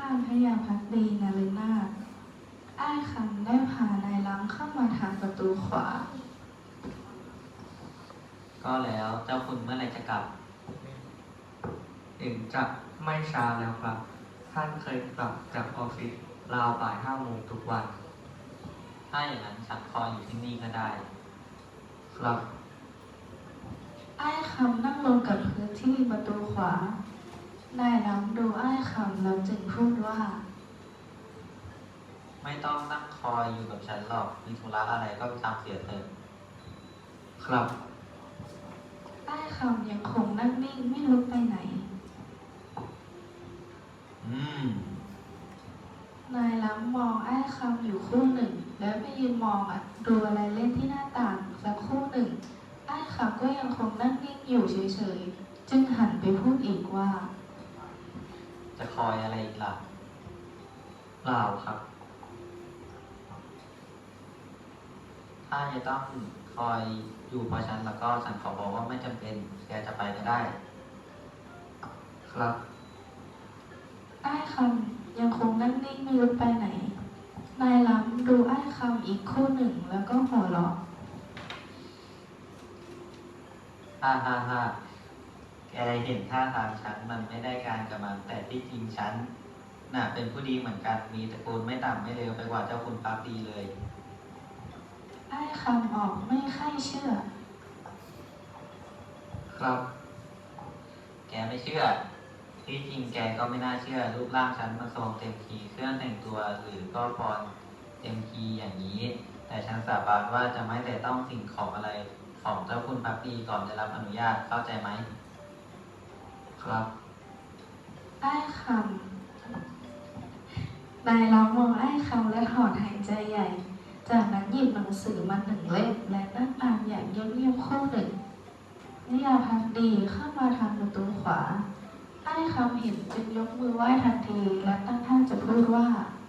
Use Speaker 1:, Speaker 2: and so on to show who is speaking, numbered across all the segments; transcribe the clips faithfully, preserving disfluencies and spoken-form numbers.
Speaker 1: านพยาภักดีนฤนาถอ้ายคำได้พานายล้ำเข้ามาทางประตูขวา
Speaker 2: ก็แล้วเจ้าคุณเมื่อไรจะกลับ
Speaker 3: เห็นจะไม่ช้าแล้วครับท่านเคยกลับจากออฟฟิศราวบ่ายห้าโมงทุกวัน
Speaker 2: ถ้าอย่างนั้นฉันคอยอยู่ที่นี่ก็ได้
Speaker 3: ครับ
Speaker 1: อ้ายคำนั่งลงกับพื้นที่ประตูขวานายล้ำดูอ้ายคำแล้วจึงพูดว่า
Speaker 2: ไม่ต้องนั่งคอยอยู่กับฉันหรอกมีธุระอะไรก็ไปทำเสียเถอะ
Speaker 3: ครับ
Speaker 1: อ้ายคำยังคงนั่งนิ่งไม่ลุกไปไหน
Speaker 2: อืม
Speaker 1: นายล้ำมองอ้ายคำอยู่ครู่หนึ่งแล้วไปยืนมองอ่ะดูอะไรเล่นที่หน้าต่างสักครู่หนึ่งอ้ายคำก็ยังคงนั่งนิ่งอยู่เฉยๆจึงหันไปพูดอีกว่า
Speaker 2: จะคอยอะไรอีกล่ะ
Speaker 3: เปล่าครับ
Speaker 2: ถ้าจะต้องคอยอยู่เพราะฉันแล้วก็ฉันขอบอกว่าไม่จำเป็นแกจะไปก็ได้
Speaker 3: ครับ
Speaker 1: อ้ายคำยังคงนั่งนิ่งไม่ลุกไปไหนนายล้ำดูอ้ายคำอีกครู่หนึ่งแล้วก็หัวเราะ
Speaker 2: ฮ่าฮ่าฮ่าแกเห็นท่าทางฉันมันไม่ได้การกับมันแต่ที่จริงฉันน่ะเป็นผู้ดีเหมือนกันมีตระกูลไม่ต่ำไม่เลวไปกว่าเจ้าคุณปั๊บดีเลย
Speaker 1: อ้ายคำออกไม่ค่อยเชื่อ
Speaker 3: ครับ
Speaker 2: แกไม่เชื่อที่จริงแกก็ไม่น่าเชื่อรูปร่างฉันมันทรงเต็มทีเครื่องแต่งตัวหรือก็พรเต็มทีอย่างนี้แต่ฉันสาบานว่าจะไม่แต่ต้องสิ่งของอะไรของเจ้าคุณพักดีก่อนได้รับอนุญาตเข้าใจไหม
Speaker 3: ครับ
Speaker 1: อ้ายคำนายล้ำมองอ้ายคำและถอนหายใจใหญ่จากนั้นหยิบหนังสือมาหนึ่งเล่มและนั่งอ่านอย่างเงียบๆครู่หนึ่งนิยาพักดีเข้ามาทางประตูขวาอ้ายคำเห็นจึงยกมือไหว้ทันทีและตั้งท่าจะพูดว่า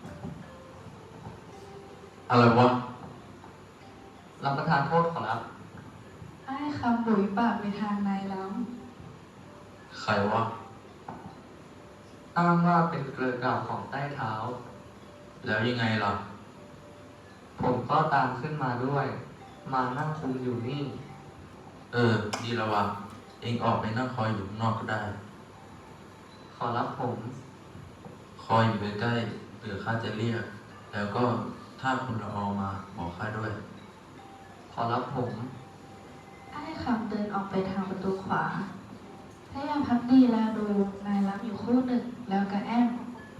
Speaker 3: อะไรวะรับประทานโทษขอรับ
Speaker 1: อ้ายคำบุ๋ยปากไปทางนายล้
Speaker 3: ำใครวะอ้างว่าเป็นเกลือกล่าวของใต้เท้าแล้วยังไงล่ะผมก็ตามขึ้นมาด้วยมานั่งคุมอยู่นี่เออดีแล้ววะเองออกไปนั่งคอยอยู่ข้างนอกก็ได้ขอรับผมคอยอยู่ใกล้ๆเผื่อข้าจะเรียกแล้วก็ถ้าคุณละออมาบอกข้าด้วยขอรับผม
Speaker 1: อ้ายคำเดินออกไปทางประตูขวาพยายามพักดีแล้วดูนายล้ำอยู่ครู่หนึ่งแล้วก็แอม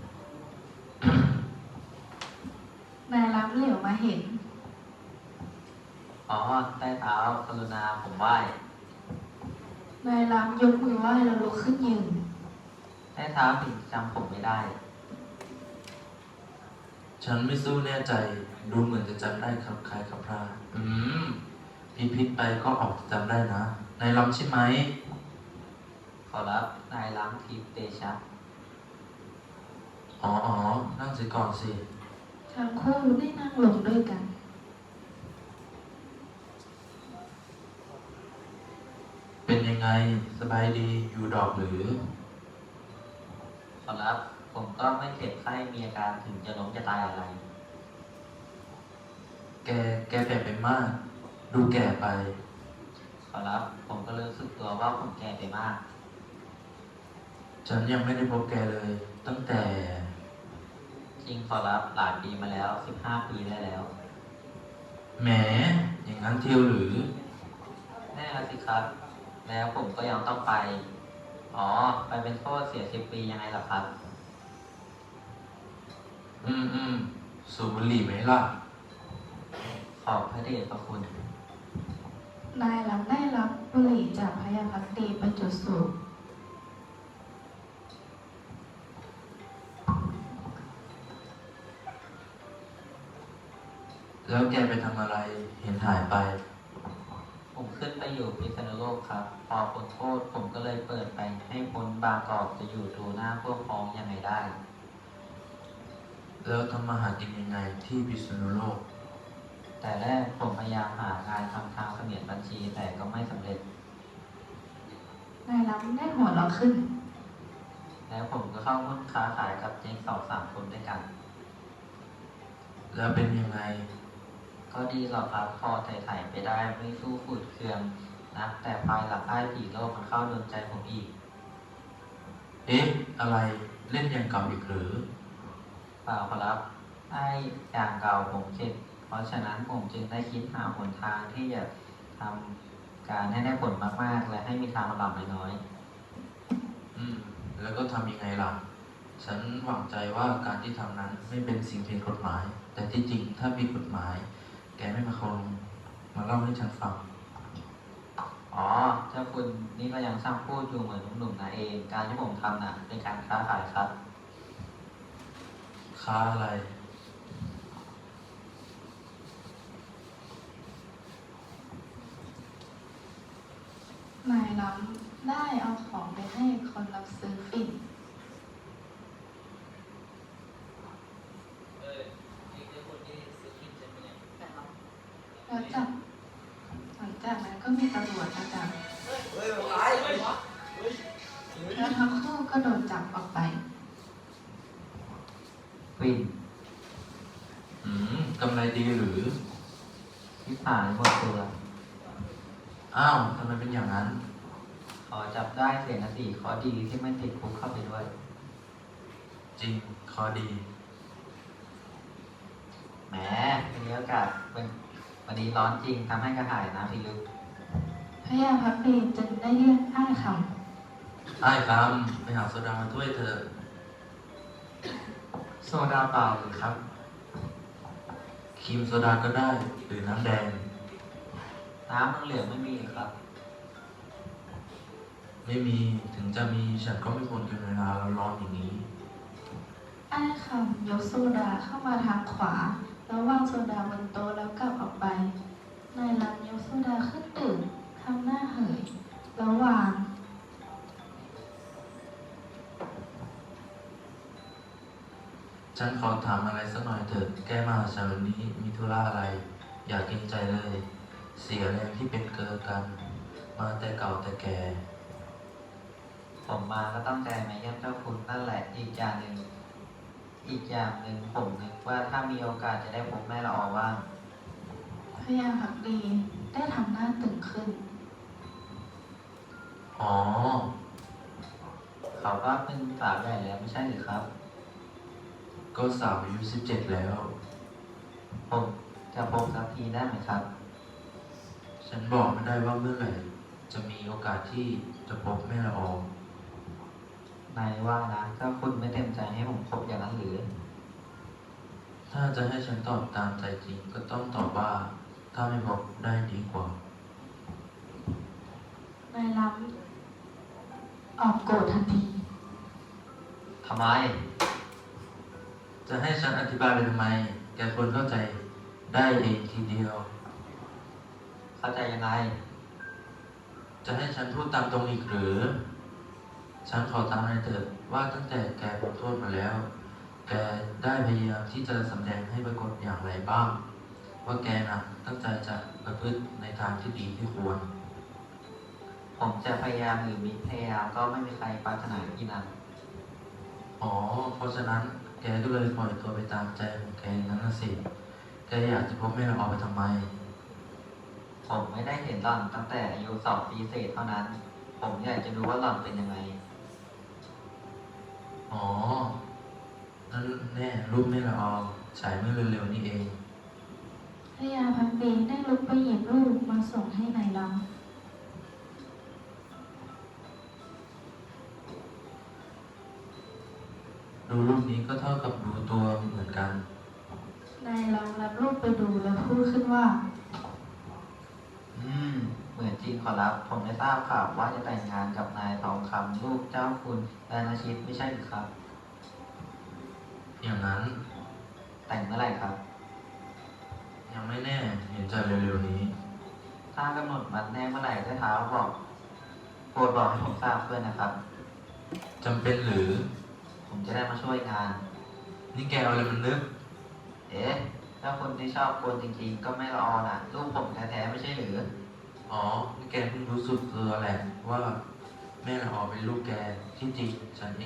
Speaker 1: นายล้ำเหลียวมาเห็น
Speaker 2: อ๋อใต้เท้ากรุณาผมไหว้
Speaker 1: นายล้ำยกมือไหว้แล้วลุกขึ้นยืน
Speaker 2: ใต้เท้าถึงจำผมไม่ได้
Speaker 3: ฉันไม่สู้แน่ใจดูเหมือนจะจำได้ครับคล้ายครับพราอืมพิพิธไปก็ออกจะจำได้นะนายล้ำใช่ไหม
Speaker 2: ขอรับนายล้ำทิพย์เตชะ
Speaker 3: อ๋ออ๋อนั่งสิก่อนสิ
Speaker 1: ทั้งคู่ได้นั่งลงด้วยกัน
Speaker 3: เป็นยังไงสบายดีอยู่ดอกหรือ
Speaker 2: ขอรับผมก็ไม่เจ็บไข้มีอาการถึงจะล้มจะตายอะไร
Speaker 3: แกแกแก่ไปมากดูแก่ไป
Speaker 2: ขอรับผมก็รู้สึกตัวว่าผมแก่ไปมาก
Speaker 3: ฉันยังไม่ได้พบแกเลยตั้งแต่
Speaker 2: จริงขอรับหลายปีมาแล้วสิบห้าปีได้แล้ว
Speaker 3: แหมอย่างนั้นเที่ยวหรือ
Speaker 2: แน่ละสิครับแล้วผมก็ยังต้องไปอ๋อไปเป็นโทษเสียสิบปียังไงล่ะครับ
Speaker 3: อืมอืมสูบบุหรี่ไหมล่ะ
Speaker 2: ขอบพระเดชพระคุณ
Speaker 1: นายล้ำได้รับบุหรี่จากพยาภักดีไปจุดสูบ
Speaker 3: แล้วแกไปทำอะไรเห็นหายไป
Speaker 2: ผมขึ้นไปอยู่พิษณุโลกครับพอพ้นโทษผมก็เลยเปิดไปให้พ้นบางกอกจะอยู่ดูหน้าพวกพ้องยังไงได้
Speaker 3: แล้วทำมาหากินยังไงที่พิษณุโลก
Speaker 2: แต่แรกผมพยายามหางานทำทางเสมียนบัญชีแต่ก็ไม่สำเร็จ
Speaker 1: นายล้ำได้หัวเราะขึ้น
Speaker 2: แล้แล้วผมก็เข้าหุ้นค้าขายกับเจ๊งสองสามคนด้วยกัน
Speaker 3: แล้วเป็นยังไง
Speaker 2: ก็ดีหรอกครับพอไถ่ๆไปได้ไม่สู้ฝืดเคืองนะแต่ภายหลังไอ้ผีโลกมันเข้าโดนใจผมอีก
Speaker 3: เอ๊ะ อะไรเล่นอย่างเก่าอีกหรือ
Speaker 2: เปล่าครับไอ้อย่างเก่าผมเข็ดเพราะฉะนั้นผมจึงได้คิดหาหนทางที่จะทำการให้ได้ผลมากๆ และให้มีทางลำบากน้อย
Speaker 3: อืม แล้วก็ทำยังไงล่ะ ฉันหวังใจว่าการที่ทำนั้นไม่เป็นสิ่งผิดกฎหมาย แต่ที่จริงถ้ามีกฎหมาย แกไม่มาคงมาเล่าให้ฉันฟัง
Speaker 2: ๆอ๋อเจ้าคุณนี่ก็ยังช่างพูดอยู่เหมือนหนุ่มๆนะเอง การที่ผมทำน่ะเป็นการค้าขายครับ
Speaker 3: ค้าอะไร
Speaker 1: นายล้ำได้เอาของไปให้คนรับซื้อฝิ่นแล้วจากหลังจากนั้นก็มีตำรวจมาจับแล้วทั้งคู่ก็โดนจับออกไป
Speaker 2: ฟิน
Speaker 3: อืมกำไรดีหรือ
Speaker 2: ที่ผ่านหมดตัว
Speaker 3: อ้าวทำไมเป็นอย่างนั้น
Speaker 2: ขอจับได้เสียนะสิขอดีที่ไม่ติดคุกเข้าไปด้วย
Speaker 3: จริงคอดี
Speaker 2: แหมวันนี้อากาศเป็นวันนี้ร้อนจริงทำให้กระหายน้ำพิลึก
Speaker 1: พระยาพักดีจึงได้เรียกอ้ายค
Speaker 3: ไอ้คำไปหาโซดามาถ้วยเถอะ
Speaker 2: โซดาเปล่าหรือครับ
Speaker 3: ครีมโซดาก็ได้ หรือน้ำแดง
Speaker 2: น้ำเหลืองๆไม่มีหรือครับ
Speaker 3: ไม่มี ถึงจะมีฉันก็ไม่ควรกินเวลาร้อนๆอย่างนี้
Speaker 1: ำอ้ายคำยกโซดาเข้ามาทางขวา แล้ววางโซดาบนโต๊ะแล้วกลับออกไป นายล้ำยกโซดาขึ้นดื่มทำหน้าเหยแล้ววาง
Speaker 3: ฉันขอถามอะไรสักหน่อยเถิด แกมาหาฉันวันนี้มีธุระอะไร อยากเกรงใจเลย เสียแรงที่เป็นเกอกัน มาแต่เก่าแต่แก่
Speaker 2: ผมมาก็ต้องใจมาเยี่ยมเจ้าคุณนั่นแหละอีกอย่างหนึ่งอีกอย่างหนึ่งผมนึกว่าถ้ามีโอกาสจะได้พบแม่ละออว่าง
Speaker 1: พระยาพักดีได้ทำหน้าตึงขึ้น
Speaker 3: อ๋อ
Speaker 2: เขาก็เป็นสาวใหญ่แล้วไม่ใช่หรือครับ
Speaker 3: ก็สาวอายุสิบเจ็ดแล้ว
Speaker 2: ผมจะพบสักทีได้ไหมครับ
Speaker 3: ฉันบอกไม่ได้ว่าเมื่อไหร่ จะมีโอกาสที่จะพบแม่ละออง
Speaker 2: นายว่านะเจ้าคุณไม่เต็มใจให้ผมพบอย่างนั้นหรือ
Speaker 3: ถ้าจะให้ฉันตอบตามใจจริง ก็ต้องตอบว่า ถ้าไม่พบได้ดีกว่า
Speaker 1: นายล้ำออกโกรธทันที
Speaker 2: ทำไม
Speaker 3: จะให้ฉันอธิบายไปทำไม แกควรเข้าใจได้เองทีเดียว
Speaker 2: เข้าใจยังไง
Speaker 3: จะให้ฉันพูดตามตรงอีกหรือ ฉันขอถามหน่อยเถิดว่าตั้งแต่แกพ้นโทษมาแล้ว แกได้พยายามที่จะสำแดงให้ปรากฏอย่างไรบ้าง ว่าแกน่ะตั้งใจจะประพฤติในทางที่ดีที่ควร
Speaker 2: ผมจะพยายามหรือมิพยายามก็ไม่มีใครปรารถนาที่นั้น
Speaker 3: อ๋อ เพราะฉะนั้นแกก็เลยปล่อยตัวไปตามใจของแกอย่างนั้นน่ะสิ แกอยากจะพบแม่ละออไปทำไม
Speaker 2: ผมไม่ได้เห็นหล่อนตั้งแต่อายุสองปีเศษเท่านั้น ผมอยากจะรู้ว่าหล่อนเป็นยังไง
Speaker 3: อ๋อ นั่นแน่รูปแม่ละออฉายเมื่อเร็วๆนี้เอง
Speaker 1: พระยาพักดีได้ลุกไปหยิบรูปมาส่งให้นายล้ำ
Speaker 3: ดูรูปนี้ก็เท่ากับดูตัวเหมือนกัน
Speaker 1: นายล้ำรับรูปไปดูแล้วพูดขึ้นว่า
Speaker 2: อืม เหมือนจริงขอรับ ผมได้ทราบข่าวว่าจะแต่งงานกับนายทองคำลูกเจ้าคุณดานาชิตไม่ใช่หรือครับ
Speaker 3: อย่างนั้น
Speaker 2: แต่งเมื่อไหร่ครับ
Speaker 3: ยังไม่แน่เห็นจะเร็วๆนี้
Speaker 2: ถ้ากำหนดวันแน่เมื่อไหร่ได้เท้าบอกโปรดบอกให้ผมทราบด้วยนะครับ
Speaker 3: จำเป็นหรือ
Speaker 2: ผมจะได้มาช่วยงาน
Speaker 3: นี่แกเอาอะไรมันนึก
Speaker 2: เอ๊ะถ้าคนที่ชอบกวนจริงๆ ก็ไม่ละออน่ะ ลูกผมแท้ๆไม่ใช่หรือ
Speaker 3: อ๋อ นี่แกเพิ่งรู้สึกตัวแหละว่าแม่ละออเป็นลูกแก ที่จริงฉันเองก็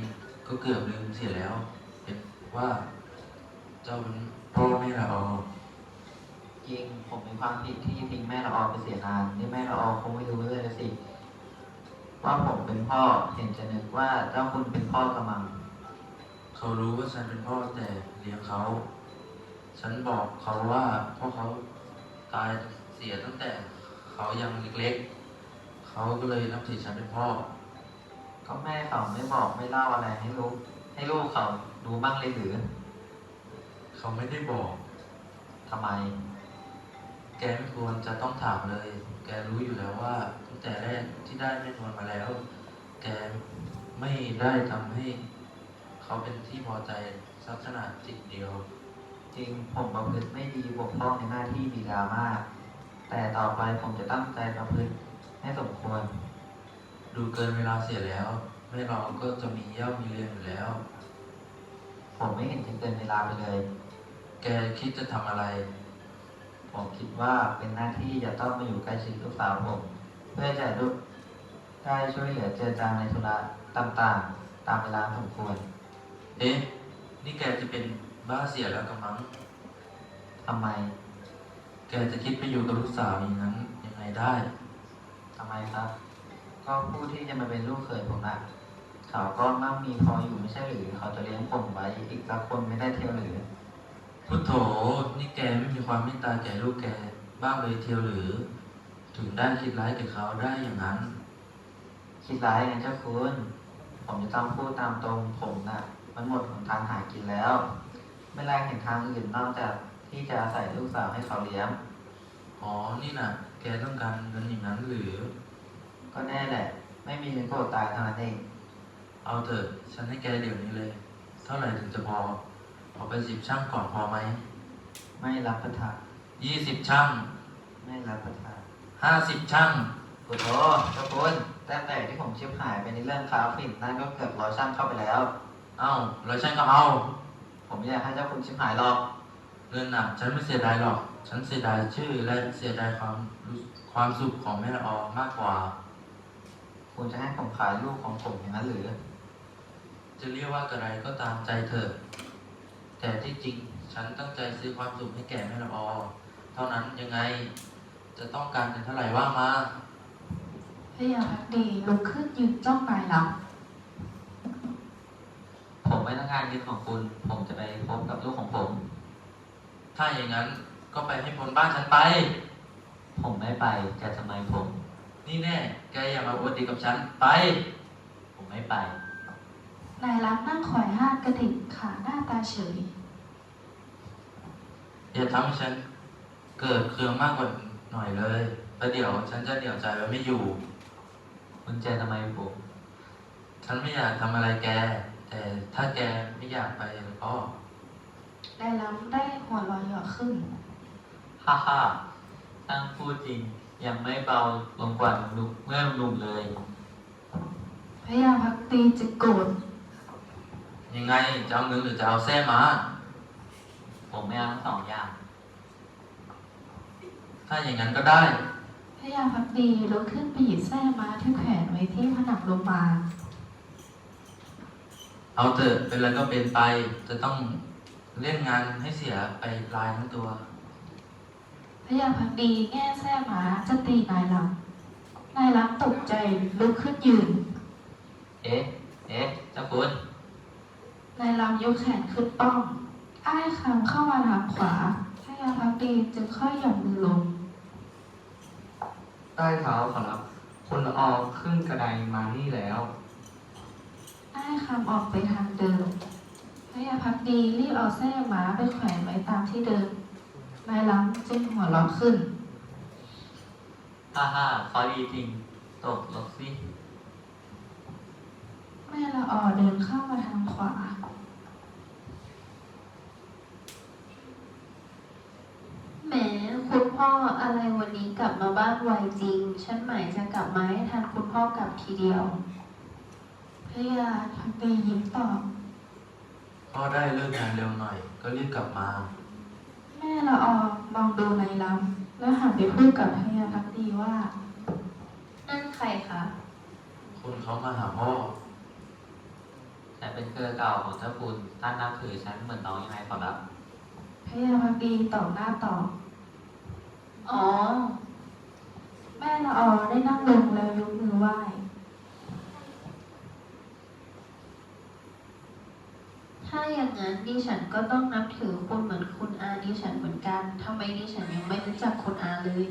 Speaker 3: ก็เกือบลืมเสียแล้ว เป็นว่า เจ้าเป็นพ่อแม่ละออ
Speaker 2: จริงผมมีความผิดที่ทิ้งแม่ละออไปเสียนานนี่แม่ละออคงไม่รู้เลยละสิ ว่าผมเป็นพ่อเห็นจะนึกว่าเจ้าคุณเป็นพ่อกระมัง
Speaker 3: เขารู้ว่าฉันเป็นพ่อแต่เลี้ยงเขา ฉันบอกเขาว่าพ่อเขาตายเสียตั้งแต่เขายังเล็กๆ เขาก็เลยนับถือฉันเป็นพ่อ
Speaker 2: ก็แม่เขาไม่บอกไม่เล่าอะไรให้ลูกให้ลูกเขารู้บ้างเลยหรือ
Speaker 3: เขาไม่ได้บอก
Speaker 2: ทำไม
Speaker 3: แกไม่ควรจะต้องถามเลย แกรู้อยู่แล้วว่าตั้งแต่แรกที่ได้แม่นวลมาแล้ว แกไม่ได้ทำให้เขาเป็นที่พอใจสักขนาดจิตเดียว
Speaker 2: จริงผมประพฤติไม่ดีบกพร่องในหน้าที่บิดามาก แต่ต่อไปผมจะตั้งใจประพฤติให้สมควร
Speaker 3: ดูเกินเวลาเสียแล้วแม่เราก็จะมีเย่ามีเรียนอยู่แล้ว
Speaker 2: ผมไม่เห็นจะเกินเวลาไปเลย
Speaker 3: แกคิดจะทำอะไร
Speaker 2: ผมคิดว่าเป็นหน้าที่จะต้องมาอยู่ใกล้ชิดลูกสาวผม เพื่อจะลูกได้ช่วยเหลือเจือจางในธุระต่างๆ ตามเวลาสมควร
Speaker 3: เอ๊ะ นี่แกจะเป็นบ้าเสียแล้วกำมัง
Speaker 2: ทำไม
Speaker 3: แกจะคิดไปอยู่กับลูกสาวอย่างนั้นยังไงได้
Speaker 2: ทำไมครับ ก็ผู้ที่จะมาเป็นลูกเขยผมนะเขาก็มั่งมีพออยู่ไม่ใช่หรือ เขาจะเลี้ยงผมไว้อีกสักคนไม่ได้เที่ยวหรือ
Speaker 3: พุทโธ นี่แกไม่มีความเมตตาแก่ลูกแกบ้างเลยเทียวหรือ ถึงได้คิดร้ายกับเขาได้อย่างนั้น
Speaker 2: คิดร้ายไงเจ้าคุณ ผมจะต้องพูดตามตรงผมนะ่ะ มันหมดหนทางหากินแล้ว ไม่แลกเห็นทางอื่นนอกจากที่จะอาศัยลูกสาวให้เขาเลี้ยง
Speaker 3: อ๋อ นี่น่ะ แกต้องการเงินอย่างนั้นหรือ
Speaker 2: ก็แน่แหละ ไม่มีเงินก็อดตายเท่านั้นเอง
Speaker 3: เอาเถอะ ฉันให้แกเดี๋ยวนี้เลย เท่าไหร่ถึงจะพอเอาไปสิบช่างก่อนพอไหม
Speaker 2: ไม่รับประทาน
Speaker 3: ยี่สิบช่าง
Speaker 2: ไม่รับประทาน
Speaker 3: ห้าสิบช่าง
Speaker 2: โอ้โหเจ้าคุณแต่แต่ที่ผมชิบหายไปในเรื่องคาฟินนั่นก็เกือบร้อยช่างเข้าไปแล้ว
Speaker 3: เอ้าแล้วฉันก็เอา
Speaker 2: ผมไม่อยากให้เจ้าคุณชิบหายหรอก
Speaker 3: เงินน่ะ ฉันไม่เสียดายหรอก ฉันเสียดายชื่อและเสียดายความรู้ความสุขของแม่ละออมากกว่า
Speaker 2: คุณจะให้ผมขายลูกของผมอย่างนั้นหรือ
Speaker 3: จะเรียกว่ากระไรก็ตามใจเถอะ แต่ที่จริงฉันตั้งใจซื้อความสุขให้แก่แม่ละออ เท่านั้นยังไง จะต้องการเงินเท่าไหร่ว่ามา
Speaker 1: พระยาพักดีลุกขึ้นยืนจ้องนายหลับ
Speaker 2: ผมไม่ต้องการเงินของคุณ ผมจะไปพบกับลูกของผม
Speaker 3: ถ้าอย่างนั้นก็ไปให้พ้นบ้านฉันไป
Speaker 2: ผมไม่ไปจะทำไมผม
Speaker 3: นี่แน่ แกอย่ามาอวดดีกับฉัน ไป
Speaker 2: ผมไม่ไป
Speaker 1: นายรับนั่งคอยห้างกระดิกขาหน้าตาเฉย
Speaker 3: อย่าทำให้ฉันเกิดเคืองมากกว่าหน่อยเลยประเดี๋ยวฉันจะเดี่ยวใจไว้ไม่อยู่
Speaker 2: คุณจะทำไมผม
Speaker 3: ฉันไม่อยากทำอะไรแก แต่ถ้าแกไม่อยากไปแล้วก็
Speaker 1: นายรับได้หัวเรอยหยอกขึ้น
Speaker 2: ฮ่าฮ่าตั้งพูดจริง ยังไม่เบาลงกว่าหนุ่มเมื่อหนุ่มเลย
Speaker 1: พระยาพักดีจะโกรธ
Speaker 3: ยังไงจะเอาเงินหรือจะเอาแส้มา
Speaker 2: ผมไม่เอาทั้งสองอย่าง
Speaker 3: ถ้าอย่างนั้นก็ได้
Speaker 1: พระยาพักดีลุกขึ้นไปหยิบแส้ม้าที่แขวนไว้ที่ผนังโรงพยาบาล
Speaker 3: เอาเถอะเป็นอะไรก็เป็นไป จะต้องเล่นงานให้เสียไปลายทั้งตัว
Speaker 1: พระยาพักดีแง่แส้ม้าจะตีนายล้ำนายล้ำตกใจลุกขึ้นยืน
Speaker 2: เอ๊ะ เอ๊ะ เจ้าคุณ
Speaker 1: นายล้ำยกแขนขึ้นป้อง อ้ายคำเข้ามาทางขวาพระยาพักดีจึงค่อยหย่อนมือลง
Speaker 4: ใต้เท้าขอรับคนละออกขึ้นกระไดมานี่แล้ว
Speaker 1: อ้ายคำออกไปทางเดิมพระยาพักดีรีบเอาแส้ม้าไปแขวนไว้ตามที่เดิม นายล้ำจึงหัวเราะขึ้น
Speaker 2: ฮ่าฮ่าขอดีจริง ตกลงสิ
Speaker 1: แม่ละออเดินเข้ามาทางขวา
Speaker 5: แหมคุณพ่ออะไรวันนี้กลับมาบ้านไวจริง ฉันหมายจะกลับมาให้ทันคุณพ่อกลับทีเดียว
Speaker 1: พระยาพักดียิ้มตอบ
Speaker 3: ก็ได้เลิกงานเร็วหน่อย ก็รีบกลับมา
Speaker 1: แม่ละออมองดูนายล้ำแล้วหันไปพูดกับพระยาพักดีว่า
Speaker 5: นั่นใครคะ
Speaker 3: คนเขามาหาพ่อ
Speaker 5: ค
Speaker 2: แต่เป็นเครือเก่าของเจ้าคุณท่านนับถือฉันเหมือนน้องยังไงขอรับ
Speaker 1: พยาพักดีตอบหน้าตอบ
Speaker 5: อ๋อ
Speaker 1: แม่ละออได้นั่งลงแล้วยกมือไหว้
Speaker 5: ถ้าอย่างนั้นดิฉันก็ต้องนับถือคุณเหมือนคุณอาดิฉันเหมือนกันทำไมดิฉันยังไม่รู้จักคุณอาเลย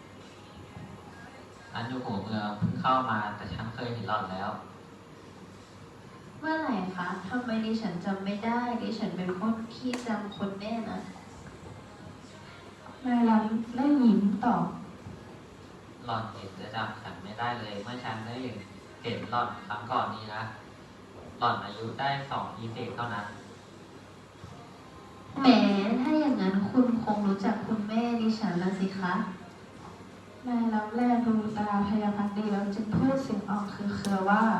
Speaker 2: อันอยู่หัวเมืองเพิ่งเข้ามาแต่ฉันเคยเห็นหล่อนแล้ว
Speaker 5: เมื่อไหร่คะทำไมดิฉันจำไม่ได้ดิฉันเป็นคนที่จำคนแน่นะ
Speaker 1: นายลำได้ยิ้มตอบ
Speaker 2: หล่อนเห็นจะจำฉันไม่ได้เลย เมื่อฉันได้เห็นหล่อนครั้งก่อนนี้นะ หล่อนอายุได้สองปีเศษเท่านั้น
Speaker 5: แหมถ้าอย่างนั้นคุณคงรู้จักคุณแม่ดิฉันละสิคะ
Speaker 1: นายลำแลดูตาพยาพักดีแล้วจึงพูดเสียงออกคือเครือว่า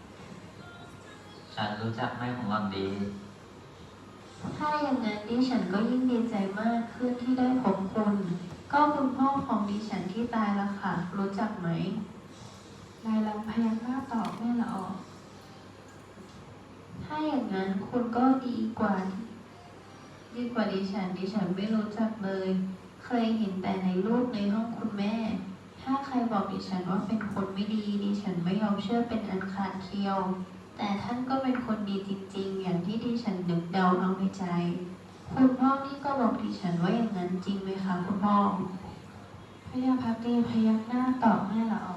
Speaker 2: ฉันรู้จักแม่ของหล่อนดี
Speaker 5: ถ้าอย่างนั้นดิฉันก็ยิ่งดีใจมากขึ้นที่ได้พบคุณ ก็คุณพ่อของดิฉันที่ตายละค่ะ รู้จักไหม
Speaker 1: นายลำพยักหน้าตอบแม่ละออ
Speaker 5: ถ้าอย่างนั้นคุณก็ดีกว่าดีกว่าดิฉันดิฉันไม่รู้จักเลย เคยเห็นแต่ในรูปในห้องคุณแม่ ถ้าใครบอกดิฉันว่าเป็นคนไม่ดีดิฉันไม่ยอมเชื่อเป็นอันขาดเคียว แต่ท่านก็เป็นคนดีจริงๆ อย่างที่ดิฉันนึกเดาเอาในใจ คุณพ่อนี่ก็บอกดิฉันว่าอย่างนั้นจริงไหมคะคุณพ่อ
Speaker 1: พยาพักดีพยักหน้าตอบแม่ละออ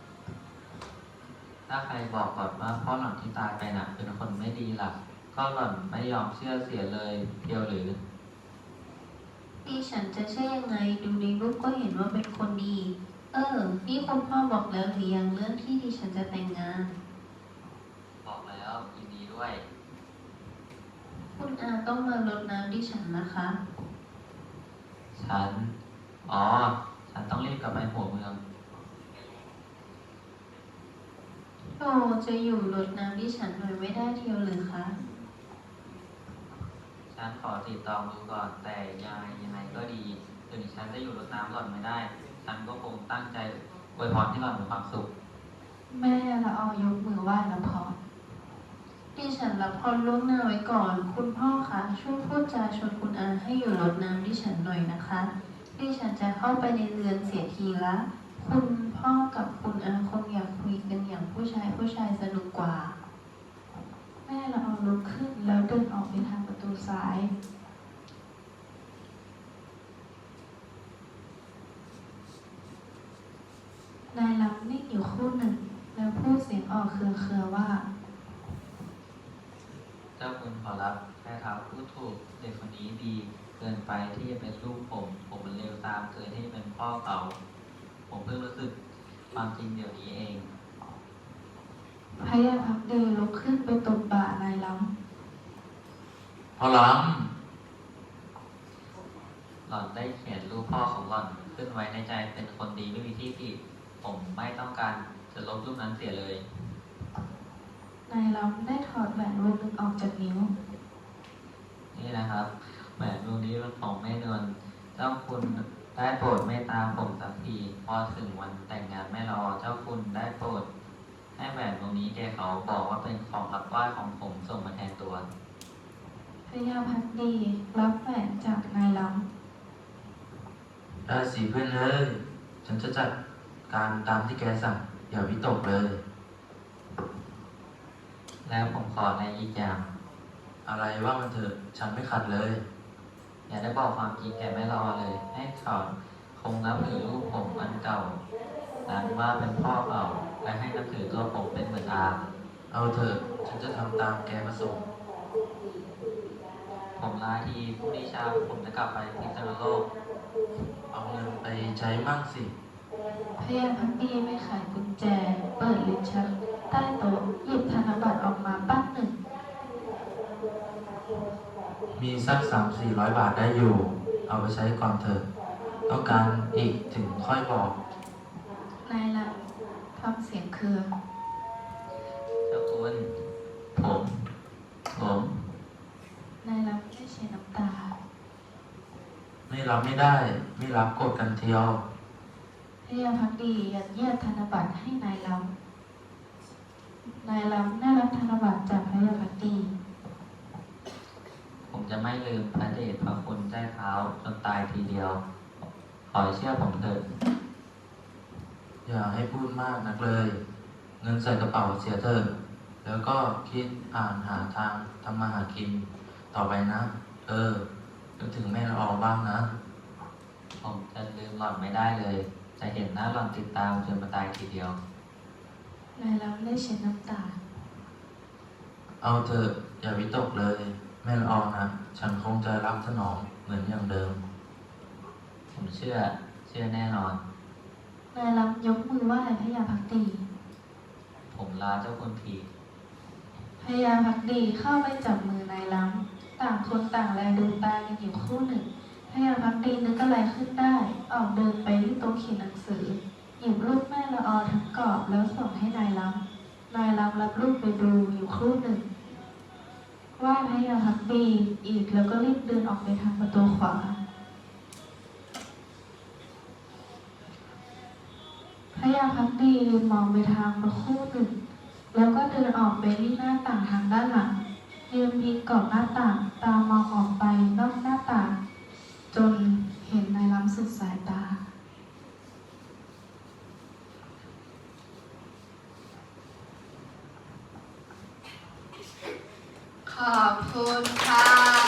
Speaker 2: ถ้าใครบอกก่อนว่าพ่อหล่อนที่ตายไปน่ะเป็นคนไม่ดีล่ะ ก็หล่อนไม่ยอมเชื่อเสียเลยเพียวหรือ
Speaker 5: ดิฉันจะเชื่อยังไงดูในรูปก็เห็นว่าเป็นคนดี เออ นี่คุณพ่อบอกแล้วหรือยังเรื่องที่ดิฉันจะแต่งงาน
Speaker 2: บอกแล้วยินดีด้วย
Speaker 5: คุณอาต้องมารดน้ำดิฉันนะคะ
Speaker 2: ฉัน อ๋อ ฉันต้องรีบกลับไปหัวเมือง
Speaker 5: โอ้จะอยู่รดน้ำดิฉันหน่อยไม่ได้เทียวหรือคะ
Speaker 2: ฉันขอติดต่อดูก่อน แต่ยังไงยังไงก็ดี ถึงฉันจะอยู่รดน้ำหล่อนไม่ได้ ฉันก็คงตั้งใจอวยพรให้หล่อนมีความสุข
Speaker 1: แม่ละออยกมือไหว้แล้วพอ
Speaker 5: ดิฉันรับพรล่วงหน้าไว้ก่อน คุณพ่อคะช่วยพูดจาชวนคุณอาให้อยู่รดน้ำดิฉันหน่อยนะคะ ดิฉันจะเข้าไปในเรือนเสียทีละ คุณพ่อกับคุณอาคงอยากคุยกันอย่างผู้ชายผู้ชายสนุกกว่า
Speaker 1: แม่ละออลุกขึ้นแล้วเดินออกไปทางประตูซ้าย นายลำนิ่งอยู่ครู่หนึ่ง แล้วพูดเสียงออกเครือๆว่า
Speaker 2: เจ้าคุณขอรับแม่ท้าวพูดถูก เด็กคนนี้ดีเกินไปที่จะเป็นลูกผม ผมมันเลวตามเกินที่จะเป็นพ่อเขา ผมเพิ่งรู้สึกความจริงเดี๋ยวนี้เอง
Speaker 1: พยาพักดีลุกขึ้นไปตบบ่านายล
Speaker 3: พอล้
Speaker 2: หล่อนได้เขียนรูปพ่อของหล่อนขึ้นไว้ในใจเป็นคนดีไม่มีที่ผิด ผมไม่ต้องการจะลบรูปนั้นเสียเลย
Speaker 1: ำนายลำได้ถอดแหวนวงหนึ่งออกจากนิ้ว
Speaker 2: นี่นะครับแหวนวงนี้เป็นของแม่นวลเจ้าคุณได้โปรดเมตตาผมสักทีพอถึงวันแต่งงานแม่รอเจ้าคุณได้โปรด ให้แหวนวงนี้แกเขาบอกว่าเป็นของรับไหว้ของผมส่งมาแทนตัว
Speaker 1: พยาพักดีรับแหวนจากนายล
Speaker 3: ำได้สิเพื่อนเอ้ยฉันจะจัดการตามที่แกสั่ง อย่าวิตกเลย
Speaker 2: แล้วผมขอในอีกอย่าง
Speaker 3: อะไรว่ามันเถอะ ฉันไม่ขัดเลย
Speaker 2: อย่าได้บอกความจริงแกไม่รอเลย ให้เขาคงนับถือรูปผมอันเก่านั้นว่าเป็นพ่อเก่าและให้นับถือตัวผมเป็นเหมือนอา
Speaker 3: เอาเถอะฉันจะทำตามแกประสงค์
Speaker 2: ผมลาทีผู้นิชาผมจะกลับไปพิษณุโลก
Speaker 3: เอาเงินไปใช้มั่งสิ
Speaker 1: ำพยาพักดีไม่ไขกุญแจ เปิดลิ้นชักใต้โต๊ะหยิบธนบัตรออกมาปั้นหนึ่ง
Speaker 3: มีสักสามสี่ร้อยบาทได้อยู่ เอาไปใช้ก่อนเถอะ ต้องการอีกถึงค่อยบอก
Speaker 1: นายลำทำเสียงเครือ
Speaker 2: เจ้าคุณ ผม ผม
Speaker 1: นายลำได้เช็ดน้ำตา
Speaker 3: ไม่รับไม่ได้ ไม่รับกดกันเทียว
Speaker 1: พยาพักดียัดเยียดธนบัตรให้นายลำนายล้ำได้รับธนบัตรจากพระยาพักดี
Speaker 2: ผมจะไม่ลืมพระเดชพระคุณใต้เท้าจนตายทีเดียว ขอให้เชื่อผมเถิด
Speaker 3: อย่าให้พูดมากนักเลย เงินใส่กระเป๋าเสียเถอะแล้วก็คิดอ่านหาทางทำมาหากินต่อไปนะ เออนึกถึงแม่ละอองบ้างนะ
Speaker 2: ผมจะลืมหล่อนไม่ได้เลย จะเห็นหน้าหล่อนติดตามจนมาตายทีเดียว
Speaker 1: นายล้ำได้เช็ดน้ำตา
Speaker 3: เอาเถอะอย่าวิตกเลย แม่ละอองนะ ฉันคงจะรับสนองเหมือนอย่างเดิม
Speaker 2: ผมเชื่อ เชื่อแน่นอน
Speaker 1: นายล้ำยกมือไหว้พระยาพักดี
Speaker 2: ผมลาเจ้าคุณที
Speaker 1: พระยาพักดีเข้าไปจับมือนายล้ำต่างคนต่างแลดูตากันอยู่ครู่หนึ่งพระยาพักดีนึกอะไรขึ้นได้ ออกเดินไปที่โต๊ะเขียนหนังสือ หยิบรูปแม่ละออทั้งกรอบแล้วส่งให้นายล้ำนายล้ำรับรูปไปดูอยู่ครู่หนึ่งไหว้พระยาพักดีอีกแล้วก็รีบเดินออกไปทางประตูขวา พระยาพักดียืนมองไปทางประคู่หนึ่ง แล้วก็เดินออกไปที่หน้าต่างทางด้านหลังยืนพิงกอบหน้าต่างตามองออกไปนอกหน้าต่าง จนเห็นนายล้ำสุดสายตา
Speaker 5: ขอบคุณค่ะ